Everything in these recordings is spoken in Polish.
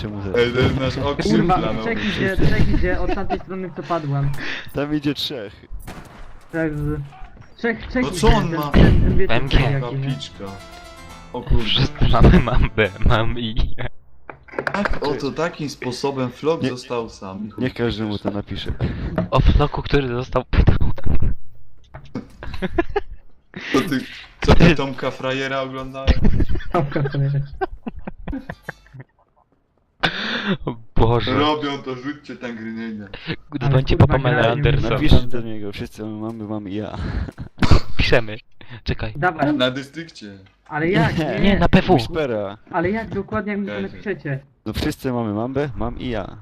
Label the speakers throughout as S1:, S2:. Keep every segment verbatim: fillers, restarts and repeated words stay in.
S1: napiszę mu zaraz.
S2: Ej, to jest nasz okrzyk
S3: Kurwa,
S2: planowy.
S3: trzech idzie, trzech idzie od tamtej strony co padłem.
S1: Tam idzie trzech.
S3: Trzech z... Trzech, trzech
S2: No
S3: idzie,
S2: co on
S3: ten-
S2: ma?
S3: ten- ten wiecie,
S4: M G.
S3: jaki, nie?
S2: Kapliczka. O kurde.
S4: Wszyscy mamy mambę, mam i...
S2: Tak, oto takim sposobem Flok
S1: Nie-
S2: został sam.
S1: Niech każdy mu to napisze.
S4: O floku, który został...
S2: Co ty, co ty Tomka Frajera oglądałeś?
S3: Stopka to jest.
S4: O Boże.
S2: Robią to, rzućcie tam grenade.
S4: Dzwońcie
S3: kurwa,
S4: po Pamela
S3: grałem,
S4: Anderson.
S1: Napiszcie do niego, wszyscy mamy, mam i ja.
S4: Piszemy. Czekaj.
S3: Dawaj,
S2: Na dystrykcie.
S3: ale jak?
S1: Nie.
S3: Nie,
S4: Nie, na P W.
S1: Whispera.
S3: Ale jak dokładnie jak mi to
S2: Okej.
S3: napiszecie?
S1: No wszyscy mamy mambę, mam i ja.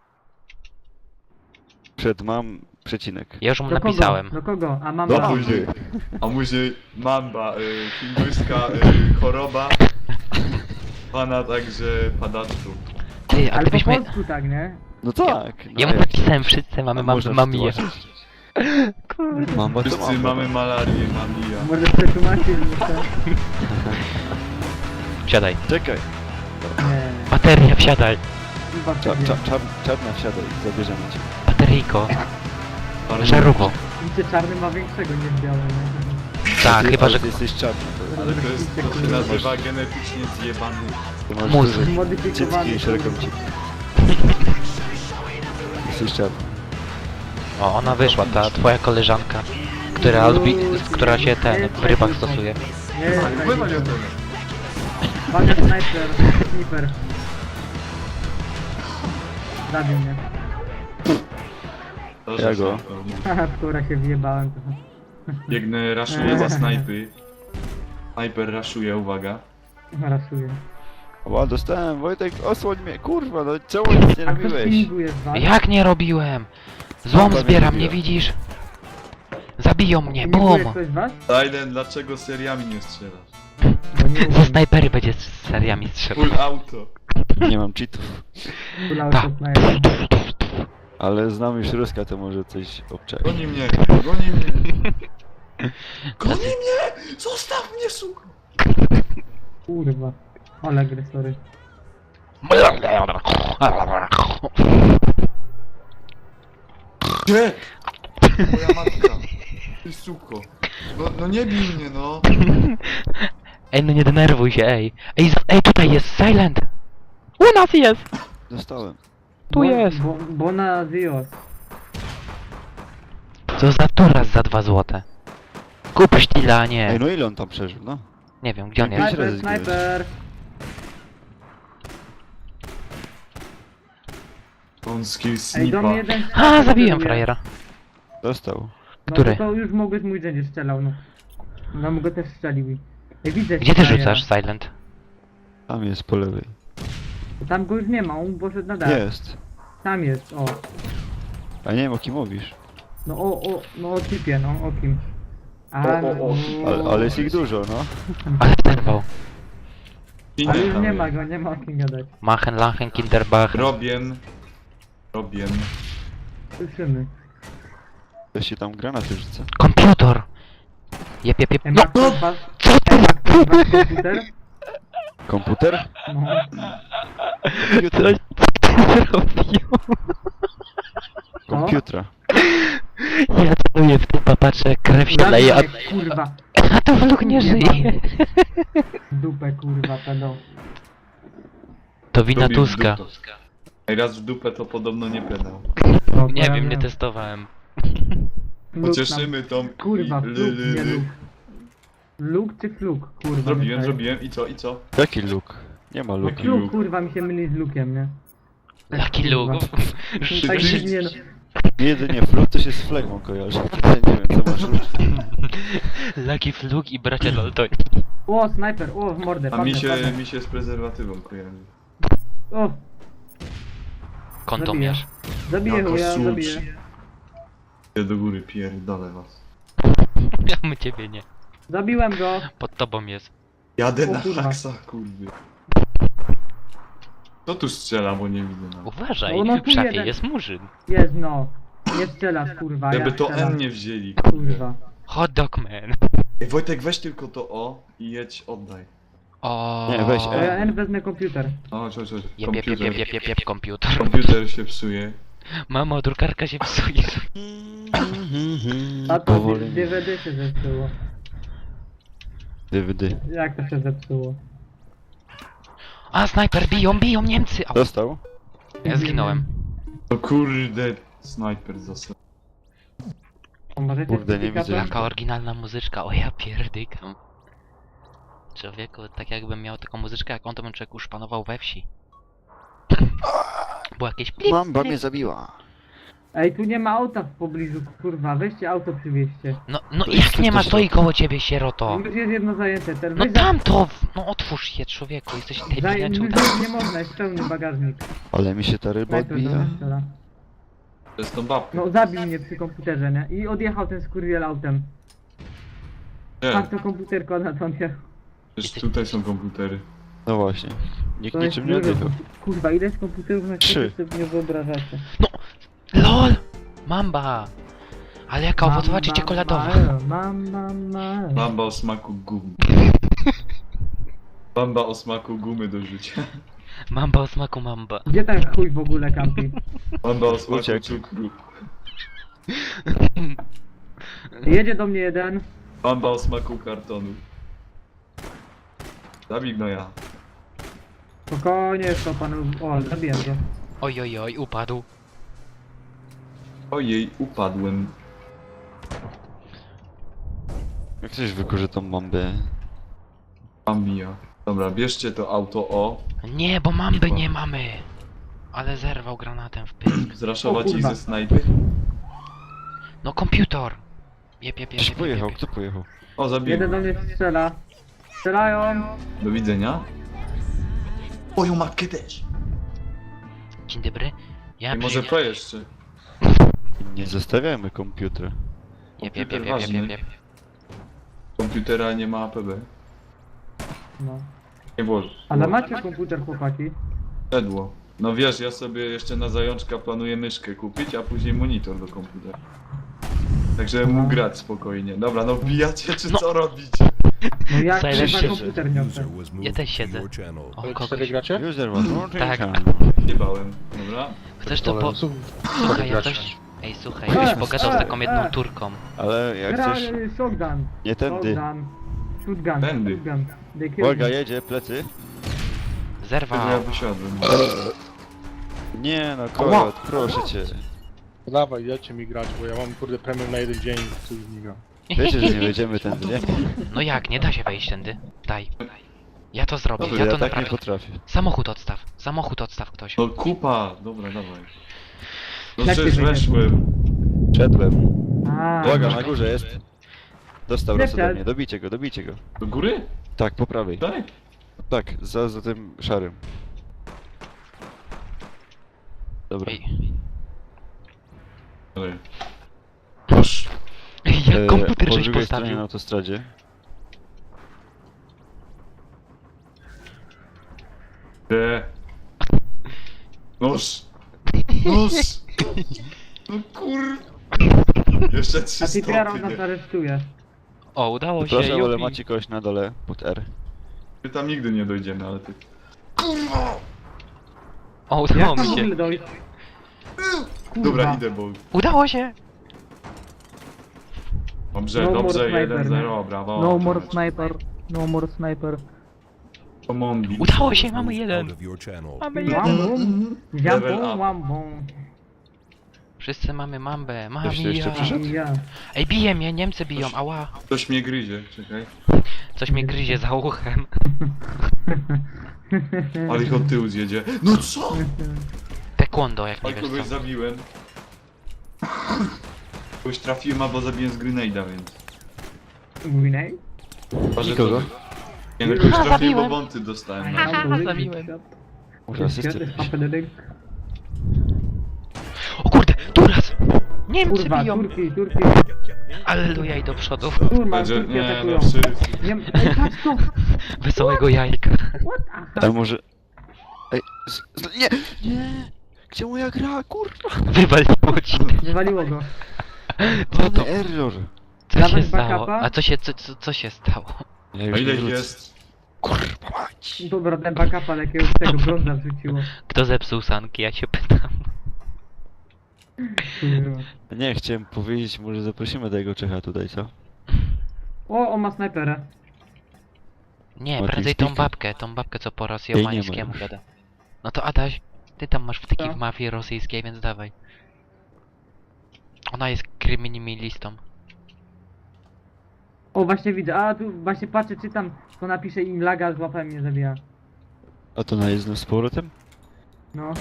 S1: Przed mam przecinek.
S4: Ja już mu
S3: Do kogo?
S4: napisałem.
S3: Do kogo? A mam
S1: Do
S2: A
S3: mam.
S2: później, a później mamba, y, hinduska y, choroba. Pana także padaczu.
S4: Ty, a
S3: Ale po
S4: gdybyśmy...
S3: polsku tak, nie?
S1: No tak. No
S4: Ja mu
S1: jak?
S4: napisałem, wszyscy mamy
S1: A
S4: mam,
S1: można
S4: mam i ja.
S1: przetłumaczyć?
S4: Kurde.
S1: Mamba to
S2: Wszyscy
S1: mamba.
S2: mamy malarię, mam i ja.
S3: Może przetłumaczyć, że to...
S4: Wsiadaj.
S1: Czekaj.
S3: Nie,
S4: Bateria, wsiadaj.
S3: chyba
S1: Cza,
S3: sobie.
S1: cza, czar, czarna wsiadaj, zabierzemy cię.
S4: Bateryjko. Żarówo.
S3: Widzicie, czarny ma większego niż biały, nie?
S4: Tak,
S1: Ty-
S4: chyba,
S1: ale
S4: że...
S1: Ty jesteś czarny. To,
S2: Ale to jest, to się nazywa genetycznie zjebany.
S1: ty masz
S4: Mózg.
S1: duże
S3: Zmodyfikowany.
S1: cycki i szeroką cipkę. Jesteś czarny.
S4: O, ona wyszła, ta twoja koleżanka. Która, lubi, która się ten, w rybach stosuje.
S3: Nie, tak,
S2: Wpływa nie o tyle.
S3: Uwaga, sniper, sniper. Zabił mnie.
S2: To,
S1: Ja
S2: że
S1: go.
S2: się-
S3: Haha, w która się wjebałem trochę.
S2: Biegnę, raszuję za snajpy. Sniper raszuje, uwaga.
S3: Rasuję.
S1: O, dostałem, Wojtek, osłoń mnie, kurwa, no czemu nic nie
S3: A kto
S1: robiłeś?
S3: spininguje z was?
S4: Jak nie robiłem? Złom
S1: Mamba
S4: zbieram,
S1: mnie
S4: nie
S1: zabiła.
S4: widzisz? Zabiją mnie,
S3: Spininguje
S4: bum!
S3: ktoś z was?
S2: Silent, dlaczego seriami nie strzelasz?
S3: Bo nie
S4: Ze
S3: umiem.
S4: snajpery będzie z seriami strzelał.
S2: Full auto.
S1: Nie mam cheatów.
S3: Kulał
S4: Tak.
S3: się sniper.
S1: Ale znam już Ruska, to może coś obczai.
S2: Goni mnie, goni mnie. Goni mnie! Zostaw mnie, suko!
S3: Kurwa. Ale agresory.
S2: Gdzie? Moja matka. Ty suko. No, no nie bij mnie, no.
S4: Ej, no nie denerwuj się, ej. Ej, z- ej, tutaj jest Silent! U nas jest!
S1: Dostałem.
S4: Tu
S3: Bo-
S4: jest.
S3: Bo, bona Dios.
S4: Co za turas za dwa złote? Kup sztila,
S1: Ej,
S4: nie.
S1: no ile on tam przeżył, no?
S4: Nie wiem, gdzie on
S1: Pięć
S4: jest.
S3: Sniper,
S1: razy zginąłeś.
S3: sniper.
S2: On skill
S3: Ej, do
S2: snipa.
S3: mnie jeden...
S4: A,
S3: sniper
S4: zabiłem
S3: celuje.
S4: frajera.
S1: Dostał.
S3: No
S4: Który?
S3: to już mogłeś mój będzie strzelał, no. No mu go też strzelił. Ej, widzę
S4: Gdzie ty
S3: frajera.
S4: rzucasz, Silent?
S1: Tam jest po lewej.
S3: Tam go już nie ma, on poszedł na dach.
S1: Jest.
S3: Tam jest, o.
S1: A nie wiem o kim mówisz.
S3: No o, o, no o typie, no o kim. A,
S2: O, o, o.
S3: no,
S1: Ale, ale jest ich dużo, no.
S4: Ale ten bał.
S3: ale już
S2: tam
S3: nie
S2: jest.
S3: ma go, nie ma o kim gadać.
S4: Machen, Lachen, Kinderbach.
S2: Robien. Robien.
S3: Słyszymy.
S1: Ktoś się tam granaty rzuca.
S4: Komputer! Jep, jep, jep.
S3: Ej,
S4: No,
S3: ma ktoś was...
S4: co
S3: Ej,
S4: ty?
S3: ma ktoś was komputer?
S1: Komputer?
S3: No.
S4: Co, co ty zrobił?
S1: Komputra.
S4: Ja celuję w typa, patrzę, jak krew się leje, a,
S3: Zabij mnie, kurwa.
S4: a to wluk nie żyje.
S3: Dupę, kurwa, pedo.
S4: To wina
S2: Lubię
S4: Tuska.
S2: dupę. Ej, raz w dupę to podobno nie pedał.
S3: No,
S4: Nie
S3: to ja
S4: wiem, nie testowałem.
S3: Luk
S2: Pocieszymy tą...
S3: nam- Kurwa,
S2: i-
S3: fluk,
S2: ly- ly-
S3: nie
S2: ly.
S3: luk. Luk czy fluk, kurwa.
S2: Zrobiłem,
S3: nie
S2: zrobiłem i co, i co?
S1: Jaki luk? Nie ma
S3: No
S1: luku.
S3: fluk, kurwa, mi się myli z lukiem, nie? Tak,
S4: Jaki luk?
S3: kurwa. Tak
S2: Ty-
S3: dziwnie, no.
S1: Jedynie fluk to się z flegmą kojarzy. Nie wiem co masz robić.
S4: Lucky Fluk i bracia Dalton.
S3: O, snajper, o, w mordę,
S2: A
S3: padnę,
S2: mi się,
S3: padnę.
S2: mi się z prezerwatywą kojarzy.
S3: O,
S4: Kontomierz.
S3: zabiję
S2: Jako
S3: go, ja
S2: sucz.
S3: zabiję.
S2: Idę do góry, pierdolę was.
S4: Ja my ciebie nie.
S3: Zabiłem go.
S4: Pod tobą jest.
S2: Jadę
S3: O
S2: na
S3: kurwa.
S2: haksa, kurwy. Kto tu strzela, bo nie widzę no.
S4: Uważaj,
S3: O, no
S4: w
S3: tu
S4: szafie
S3: jeden.
S4: jest murzyn.
S3: Jest, no. Nie strzelasz, kurwa,
S2: Jakby
S3: ja
S2: to
S3: strzelam.
S2: N nie wzięli.
S3: Kurwa.
S4: Hot dog man.
S2: Ej, Wojtek, weź tylko to O i jedź, oddaj.
S4: O.
S1: Nie, weź,
S3: To
S1: E.
S3: ja N wezmę komputer.
S2: O, chodź, chodź, chodź.
S4: Jep, jep, jep,
S2: Komputer.
S4: jep, jep, jep, jep, komputer.
S2: Komputer się psuje.
S4: Mamo, drukarka się psuje.
S3: A to
S1: Powoli.
S3: D V D się zepsuło.
S1: D V D.
S3: Jak to się zepsuło?
S4: A, snajper, biją, biją Niemcy! Au.
S1: Dostał?
S4: Ja zginąłem.
S2: O kurde, snajper został.
S3: O, możecie
S1: Kurde, nie
S3: certyfikatem?
S1: widzę.
S4: Jaka oryginalna muzyczka, o ja pierdykam. Człowieku, tak jakbym miał taką muzyczkę jak on, to bym człowiek już panował we wsi. Było jakieś plip,
S1: Mamba
S4: plip.
S1: mnie zabiła.
S3: Ej, tu nie ma auta w pobliżu, kurwa, weźcie auto przywieźcie.
S4: No, no
S1: To
S4: jak
S1: jest
S4: nie ma,
S1: ktoś
S4: stoi
S1: robi.
S4: koło ciebie, sieroto.
S3: Już jest jedno zajęte, ten
S4: No
S3: weź za-
S4: tam to, no otwórz się, człowieku, jesteś
S3: Zaj...
S4: debilem, czy
S3: już
S4: uda...
S3: nie można, jest pełny bagażnik.
S1: Ale mi się ta ryba
S3: Snajper do
S1: odbija.
S3: nas strzela.
S2: To jest tą babkę.
S3: No zabił mnie przy komputerze, nie? I odjechał ten skurwiel autem. Patrz
S2: Nie,
S3: to komputerko na to nie.
S2: też tutaj są komputery.
S1: No właśnie. Nikt
S3: To jest
S1: niczym nie
S3: dużo.
S1: odjechał.
S3: Kurwa, ile z komputerów na
S1: Trzy.
S3: świecie sobie nie wyobrażacie.
S4: LOL! Mamba! Ale jaka owocowa czy czekoladowa?
S3: Mam, mam, mam.
S2: Bamba o smaku gumy. Bamba o smaku gumy do życia.
S4: Mamba o smaku mamba.
S3: Gdzie ten chuj w ogóle kampi?
S2: Bamba o smaku
S1: Uciekł.
S2: cukru.
S3: Jedzie do mnie jeden.
S2: Bamba o smaku kartonu. Zabij gnoja.
S3: Spokojnie, jest to panu. O, zabiłem go.
S4: Oj, oj, oj, upadł.
S2: Ojej, upadłem.
S1: Jak ktoś wykurzy tą bombę.
S2: Bambia. Dobra, bierzcie to auto o.
S4: Nie, bo mamby nie mamy. Ale zerwał granatem w pysk.
S3: O
S2: Zraszować ich
S3: kurwa.
S2: ze snajpy.
S4: No komputer! Jep, jep, jep,
S1: Ktoś
S4: jep,
S1: pojechał,
S4: jep,
S1: kto pojechał?
S2: O, zabiję.
S3: Jeden do mnie strzela. Strzelają.
S2: Do widzenia. Moją matkę też.
S4: jep. Dzień dobry. Ja
S2: I może
S4: przyjechałem-
S2: to jeszcze.
S1: Nie zostawiamy komputera.
S4: Jep, jep,
S2: Komputer
S4: jep, jep, jep,
S2: ważny.
S4: jep.
S2: Komputera nie ma A P B.
S3: No.
S2: Nie włoży.
S3: Ale macie komputer, chłopaki?
S2: Szedło. No wiesz, ja sobie jeszcze na zajączka planuję myszkę kupić, a później monitor do komputera. Także mógł grać spokojnie. Dobra, no wbijacie czy
S4: No.
S2: co robicie?
S3: No jak
S4: Silent
S3: chyba
S4: siedzę.
S3: komputer niosę.
S4: Ja też siedzę. O, kogoś.
S5: gracie?
S1: User was włączyć.
S4: Tak.
S2: Nie bałem. Dobra.
S4: Chcesz to po... Słuchaj, jak ktoś... Ej, słuchaj,
S3: E,
S4: jakbyś pogadał z
S3: e,
S4: taką jedną
S3: e.
S4: Turką.
S1: Ale jak
S3: Gra,
S1: chcesz...
S3: y, shotgun.
S1: Nie tędy.
S3: Shotgun. Shotgun.
S2: Tędy.
S3: Shotgun. They kill
S1: Uwaga,
S3: me.
S1: jedzie, plecy.
S2: Wtedy ja
S4: Zerwał.
S2: wysiadłem.
S1: Nie no, kolot, proszę cię.
S5: Dawaj, dajcie mi grać, bo ja mam kurde premium na jeden dzień, coś nie gra.
S1: Wiecie, że nie wejdziemy tędy, nie?
S4: No jak, nie da się wejść tędy. Daj. Ja to zrobię,
S2: Dobra,
S4: ja
S1: Ja
S4: to
S1: tak nie
S4: naprawię.
S1: potrafię.
S4: Samochód odstaw. Samochód odstaw ktoś.
S2: No kupa! Dobra, dawaj. No
S3: Jak
S2: przecież
S3: ty wyjdziesz?
S2: weszłem.
S1: Szedłem.
S3: A,
S1: Uwaga, na górze jest. Dostał raz ode
S3: Lepsze.
S1: mnie, dobijcie go, dobijcie go.
S2: Do góry?
S1: Tak, po prawej.
S2: Tak?
S1: Tak, za, za tym szarym. Dobra.
S4: Ej,
S2: Dobra. Proszę.
S4: jak
S1: E,
S4: komputer
S1: po
S4: żeś
S1: drugiej stronie
S4: postawił.
S1: na autostradzie.
S2: De. Nóż. Nóż. No kur... Jeszcze trzy
S3: a ty Piaro
S2: stopy,
S3: nas
S2: nie?
S3: aresztuje.
S4: O, udało się,
S1: Proszę, ale
S4: jupi.
S1: macie kogoś na dole, pod R.
S2: My tam nigdy nie dojdziemy, ale ty...
S4: O,
S3: Jak
S4: udało
S3: tam
S4: mi
S3: w
S4: się.
S3: ogóle dojść? Kurwa.
S2: Dobra, idę, bo...
S4: Udało się!
S2: Dobrze,
S3: No more
S2: dobrze,
S3: sniper,
S2: jeden zero,
S3: nie?
S2: brawo.
S6: No more sniper. No more sniper.
S2: Pomondi.
S4: Udało się, mamy jeden. Mamy jeden.
S3: Łambum.
S2: Level
S3: Ziambum,
S2: up.
S3: łambum.
S4: Wszyscy mamy mambę, mamy
S1: Ktoś tu jeszcze
S4: ja.
S1: przyszedł?
S3: Ja.
S4: Ej, bije mnie, Niemcy biją, ała.
S2: Ktoś mnie gryzie, czekaj.
S4: Coś mnie gryzie za uchem.
S2: Ale ich od tyłu zjedzie. No co?
S4: Taekwondo, jak nie
S2: Ale
S4: wiesz
S2: kogoś
S4: co.
S2: zabiłem. Kogoś trafiłem, albo zabiłem z grenade'a, więc...
S3: Gwinej?
S2: Chyba, że
S1: Nikogo?
S2: to- Nie, no kogoś
S4: Ha,
S2: trafiłem, bo
S4: zabiłem.
S2: wąty dostałem. No.
S4: Haha, zabiłem.
S1: Może asysty.
S4: O kurde, Turas! Niemcy
S3: Kurwa,
S4: biją!
S3: Turki, Turki.
S4: Alleluja i do przodu.
S3: Kurwa,
S2: Będzie,
S3: Turki
S2: nie,
S3: atakują.
S2: no wszyscy.
S3: Nie, ej, patrz tu!
S4: Wesołego jajka.
S3: What? Aha.
S1: A może... Ej, z, z, nie! Nie! Gdzie moja gra, kurwa?
S4: Wywaliło ci.
S3: Wywaliło go.
S4: Co to?
S1: Mamy error.
S4: Co się
S3: Dawać
S4: stało?
S3: backupa?
S4: A co się, co, co, co się stało?
S1: Ja
S2: A
S1: już
S2: ile
S1: nie
S2: ich
S1: wrócę.
S2: jest?
S1: Kurwa, Chodź.
S3: Dobra, ten backup, ale jakiegoś tego brąza wrzuciło.
S4: Kto zepsuł sanki, ja się pytam.
S3: Kurwa.
S1: Nie, chciałem powiedzieć, może zaprosimy tego Czecha tutaj, co?
S3: O, on ma snajperę.
S4: Nie,
S1: Ma
S4: prędzej tą
S1: TeamSpeaka?
S4: babkę, tą babkę co po
S1: Jej nie ma
S4: rosjomańskiemu
S1: już.
S4: gada. No to Adaś, ty tam masz wtyki
S3: Co?
S4: w mafii rosyjskiej, więc dawaj. Ona jest kryminalistą.
S3: O, właśnie widzę. A, tu właśnie patrzę, czytam, to napisze im laga, złapałem mnie zabija.
S1: A to na jezdną z powrotem?
S3: No.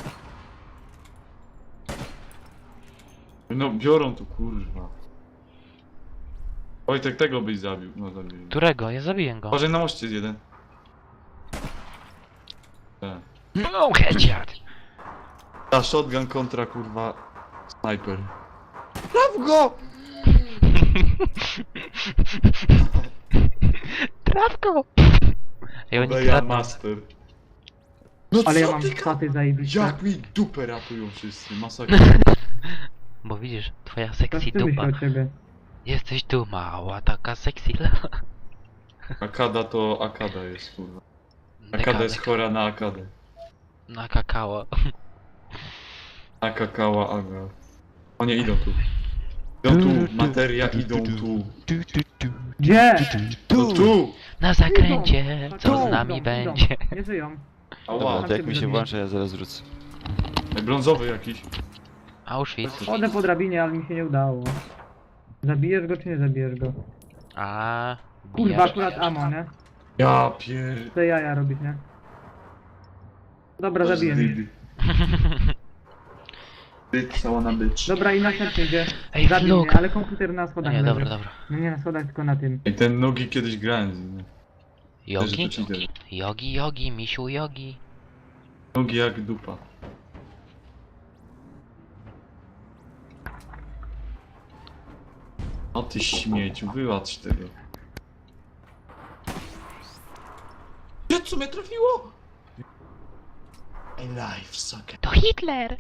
S2: No biorą tu kurwa. Wojtek tego byś zabił. No zabił.
S4: Którego? Ja zabiję go.
S2: Uważaj na moście jest jeden. Tak.
S4: No, headshot!
S2: Ta shotgun kontra kurwa snajper. Traf go!
S4: Traf go! Ej, oni
S2: Obeja
S4: kradną.
S2: master. No
S3: Ale ja
S2: co
S3: mam
S2: ty
S3: staty zajebiste.
S2: Jak mi dupę ratują wszyscy, masakra.
S4: Bo widzisz, twoja
S3: To
S4: sexy
S3: ty myśl
S4: dupa.
S3: o ciebie.
S4: Jesteś tu mała, taka sexy lewa.
S2: Akada to Akada jest kurwa. Akada jest chora na Akadę.
S4: Na kakao.
S2: Na kakała Aga. O nie, idą tu. Idą tu, materia, idą tu.
S3: Gdzie?
S2: No tu!
S4: Na zakręcie,
S3: Idą.
S4: co
S3: Tu,
S4: z nami
S3: idą,
S4: będzie.
S3: idą. Nie żyją.
S1: Dobra,
S2: Ała,
S1: to jak mi się włącza, ja zaraz wrócę.
S2: brązowy jakiś.
S4: Auschwitz.
S3: Chodzę po drabinie, ale mi się nie udało. Zabijesz go czy nie zabijesz go?
S4: A,
S3: Kurwa,
S4: bijesz.
S3: akurat amo, nie?
S2: Ja pier...
S3: Te jaja robisz, nie? Dobra, zabiję mnie.
S2: Bitch, cała na bitch.
S3: Dobra, i następny idzie.
S4: Ej,
S3: Zabił
S4: vlog.
S3: mnie, ale komputer na
S4: No
S3: schodach
S4: nie,
S3: leży.
S4: dobra, dobra.
S3: No nie na schodach, tylko na tym.
S2: I ten nogi kiedyś grałem z nim.
S4: Jogi?
S2: Też to cheater.
S4: Jogi, jogi, misiu jogi.
S2: Nogi jak dupa. O ty śmieciu, wyłacz tego. Gdzie co mnie trafiło? My life sucker.
S4: To Hitler!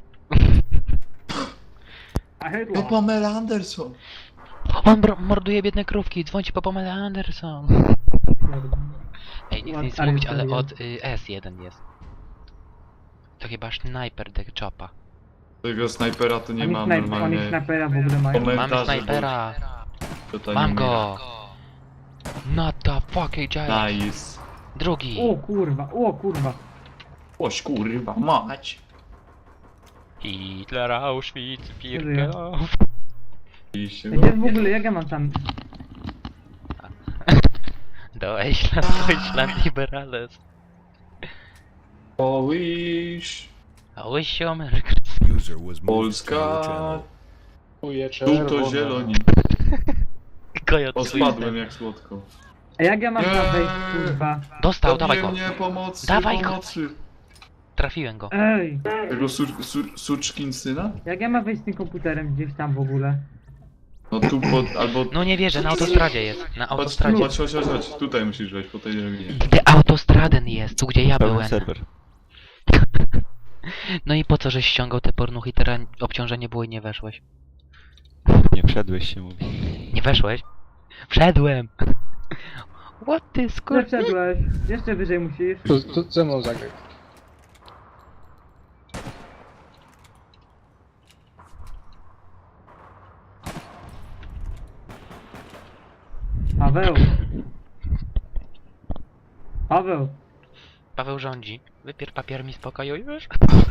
S3: A
S2: No
S3: hydła.
S2: Pamela Anderson.
S4: On bro- morduje biedne krówki, dzwońcie po Pamela Anderson. Ej, nie chcę nic
S3: Ale
S4: mówić,
S3: to
S4: ale
S3: jest.
S4: od y, S jeden jest. To chyba Sniper the Chopa.
S2: Tego snajpera to nie
S3: Oni,
S2: mam
S3: snajp oni
S2: normalnie.
S3: snajpera w ogóle mają.
S2: Komentarze,
S4: Mamy snajpera!
S2: bo to
S4: Mam
S2: nie
S4: go! Not the fucking
S2: miałem.
S4: giant!
S2: Nice.
S4: Drugi!
S3: O kurwa, o kurwa.
S2: Oś kurwa, mać.
S4: Hitler, Auschwitz,
S3: Żyje.
S4: Birkenau.
S2: I się
S3: Gdzie w ogóle, jak ja mam tam...
S4: Deutschland, Deutschland Liberales.
S2: Polish.
S4: Polish America.
S7: User was moved to your
S2: Polska.
S7: channel.
S5: Chuje
S2: Tu to
S5: czerwone.
S2: zieloni.
S4: Kojot
S2: O,
S4: Twister.
S2: spadłem jak słodko.
S3: A jak ja mam tam
S2: Nie.
S3: wejść, kurwa?
S4: Dostał, dawaj
S2: Zabije
S4: go.
S2: mnie, pomocy,
S4: Dawaj go.
S2: pomocy.
S4: Trafiłem go.
S3: Ej,
S2: Tego sur, sur, suczkin syna?
S3: jak ja mam wejść z tym komputerem gdzieś tam w ogóle?
S2: No tu pod, albo...
S4: No nie wierzę, na autostradzie jest. Na
S2: Chodź,
S4: autostradzie.
S2: chodź, chodź, chodź, chodź. Tutaj musisz wejść, po tej droginie.
S4: Gdzie autostraden jest, tu gdzie ja
S1: Pełen
S4: byłem.
S1: serwer.
S4: No i po co żeś ściągał te pornuchy, teraz obciążenie było i nie weszłeś?
S1: Nie wszedłeś się, mówi.
S4: Nie weszłeś? Wszedłem! What ty
S3: Nie
S4: skur...
S3: wszedłeś, jeszcze wyżej musisz.
S5: To, to ze mną zagraj.
S3: Paweł. Paweł.
S4: Paweł rządzi. Wypier papier mi z pokoju już.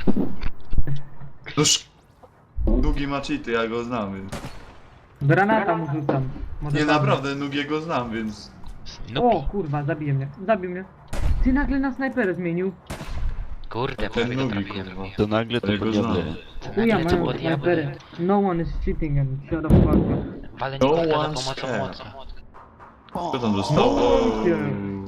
S2: Noż... Długi ma cheaty, ja go znam, więc...
S3: Granata mu rzucam. Może
S2: Nie,
S3: padnie.
S2: naprawdę, Nugiego znam, więc...
S3: O
S4: Snoopy.
S3: kurwa, zabije mnie, zabił mnie. Ty nagle na snajperę zmienił.
S4: Kurde,
S2: Ten
S4: prawie go
S2: Nugi,
S4: trafiłem.
S2: kurwa.
S1: To nagle to
S2: Jego
S1: po
S2: znam.
S1: diable.
S3: Chuja
S4: Nagle to
S3: mają
S4: było diable.
S3: snajperę. No one is cheating and shut up fuck.
S4: Walę
S2: No
S4: Nikolka za
S2: one
S4: pomocą
S2: care.
S4: mocy.
S2: Co tam zostało?
S3: No, nie.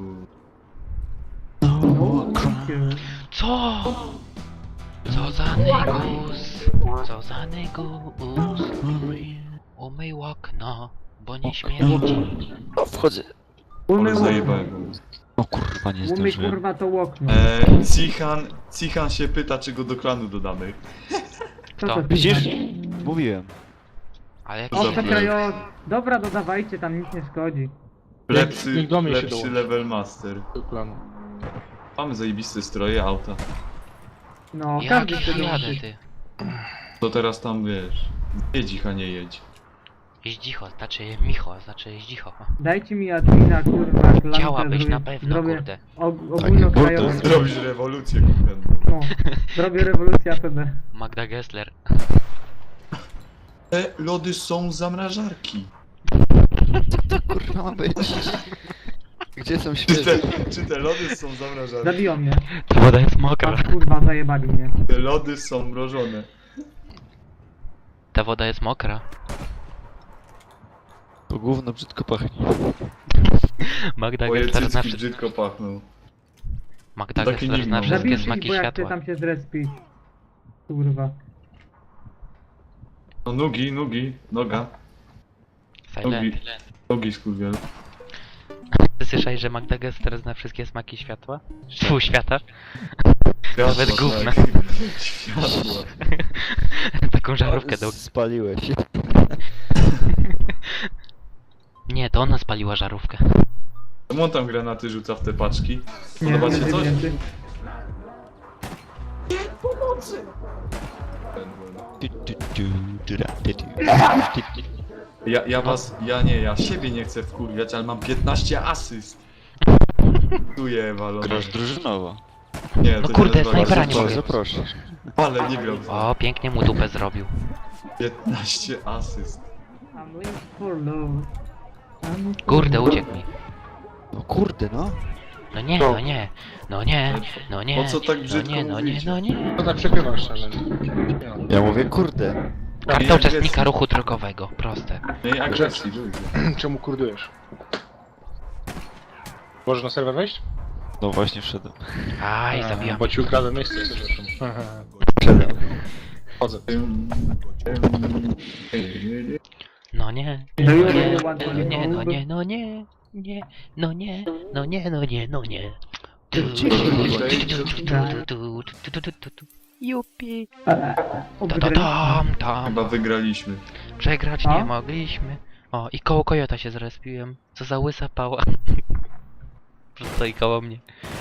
S3: No, okay.
S4: Co? Co za negus? Co za negus? Umyj okno, bo nie śmierdzi.
S1: O, wchodzę.
S2: Ale
S3: Umy,
S2: zajebałem go.
S1: O kurwa, nie
S3: umy
S1: zdążyłem.
S3: kurwa to okno.
S2: Eee, Cihan, Cihan się pyta, czy go do klanu dodamy.
S3: Co
S4: kto?
S3: to
S1: Widzisz?
S3: znaczy?
S1: Mówiłem.
S4: Ale jak
S3: O,
S2: Dobra.
S3: czekaj, o. Dobra, dodawajcie, tam nic nie szkodzi.
S2: Lepszy,
S5: niech do mnie się
S2: lepszy
S5: dołączy.
S2: level master.
S5: Do planu.
S2: Mamy zajebiste stroje, auta.
S3: No,
S4: Jak
S3: każdy chce
S4: jadę,
S3: dołączyć.
S4: ty?
S2: To teraz tam, wiesz, jedź, a nie jedź.
S4: Jeźdź dzicho, znaczy Micho, znaczy jeźdź dzicho.
S3: Dajcie mi admina, kurwa, klankę.
S4: Chciałabyś
S3: zrobię-
S4: na pewno,
S3: zrobię
S4: kurde.
S3: og- ogólnokrajową.
S1: kurde,
S2: Zrobisz rewolucję kuchenną.
S3: No, zrobię rewolucję A P B.
S4: Magda Gessler.
S2: Te lody są z zamrażarki.
S1: Kurwa ma być. Gdzie są
S2: Czy
S1: świeże?
S2: te, czy te lody są zamrażarki?
S3: Zabiją mnie.
S4: Ta woda jest mokra.
S3: A kurwa, zajebali mnie.
S2: Te lody są mrożone.
S4: Ta woda jest mokra.
S1: To gówno brzydko pachnie.
S4: Magda
S2: Moje
S4: Gessler zna,
S2: cycki
S4: wszy-
S2: brzydko pachną.
S4: Magda
S2: Taki
S4: Gessler zna
S2: nick mam.
S4: wszystkie
S3: Zabijcie ich,
S4: smaki
S3: bo ja chcę
S4: światła.
S3: tam się zrespić. Kurwa.
S2: No nogi, nogi, noga.
S4: Silent.
S2: Nogi skurwiel.
S4: Ty słyszałeś, że Magda Gessler zna wszystkie smaki światła? Tfu, świata?
S2: Światła,
S4: Nawet gówna.
S2: tak. Światła.
S4: Taką żarówkę do...
S1: Spaliłeś.
S4: Nie, to ona spaliła żarówkę.
S2: Czemu on tam granaty rzuca w te paczki?
S3: Nie,
S2: Podoba ci
S3: nie,
S2: coś?
S3: nie, nie.
S2: Ja, ja was, ja nie, ja siebie nie chcę wkurwiać, ale mam piętnaście asyst. Tu je walone.
S1: Grasz drużynowo.
S2: Nie,
S4: No
S2: to
S4: kurde,
S2: nie nazywa
S4: snajpera
S2: grać.
S4: nie mogę.
S1: Zaproszę.
S2: Ale nie gram.
S4: O, pięknie mu dupę zrobił.
S2: piętnaście asyst.
S3: I'm looking for love. I'm looking
S4: Kurde,
S3: for-
S4: uciekł mi.
S1: No kurde no.
S4: No nie, no nie, no nie, no nie,
S2: Po co tak
S4: no
S2: brzydko
S4: nie, no nie,
S2: mówicie?
S4: no nie.
S5: To tak przegrywasz szczerze.
S1: Ja mówię kurde.
S4: Karta uczestnika ruchu drogowego, proste.
S2: Nie, agresji, ludzie.
S5: Czemu kurdujesz? Możesz na serwer wejść?
S1: No właśnie wszedłem.
S4: Aj,
S5: A,
S4: zabijam.
S5: Bo ci ukradłem miejsce, przepraszam.
S1: Wszedłem.
S5: Chodzę.
S4: No nie,
S3: Do you
S4: no nie,
S3: really want to
S4: no
S3: be
S4: nie, no
S3: home?
S4: nie, no nie, nie, no nie, no nie, no nie, no nie. Jupi.
S3: O,
S4: Ta ta
S3: wygrali-
S4: tam, tam.
S2: Chyba wygraliśmy.
S4: Przegrać
S3: A?
S4: nie mogliśmy. O, i koło kojota się zrespiłem. Co za łysa pała. Stoi koło mnie.